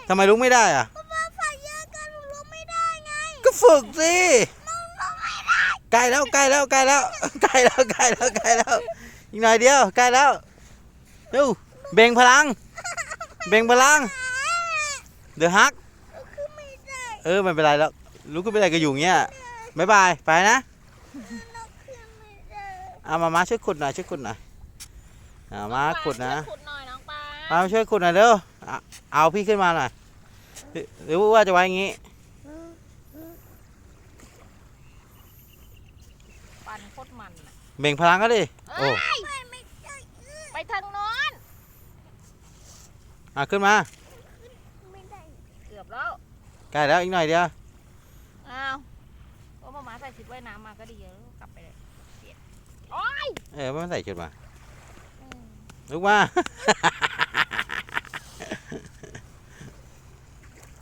ทำไมลุกไม่ได้อะก็มาฝ่ายเยอะกันผมลุกไม่ได้ไงก็ฝึกสิลุกไม่ได้ใกล้แล้วใกล้แล้วใกล้แล้วใกล้แล้วใกล้แล้วใกล้แล้วอีกหน่อยเดียวใกล้แล้วเร็วเบ่งพลังเบ่งพลังเดี๋ยวฮักลุกขึ้นไม่ได้ไม่เป็นไรแล้วลุกขึ้นไปได้ก็อยู่เงี้ยบ๊ายบายไปนะลุกขึ้นไม่ได้เอามาช่วยขุดหน่อยช่วยขุดหน่อยมาขุดนะขุดหน่อยน้องปลามาช่วยขุดหน่อยเร็วเอาพี่ขึ้นมาหน่อยหรือว่าจะไว้อย่างงี้ปั่นโคตรมันน่ะเบ่งพลังก็ดิโอ้ไม่ได้ไปทางโน้นขึ้นมาไม่ได้เกือบแล้วใกล้แล้วอีกหน่อยเดียวอ้าวก็มาใส่ชุดว่ายน้ำมาก็ดีแล้วกลับไปเลยเปลี่ยนโอ้ยไม่ใส่ชุดมาอืมลุกมา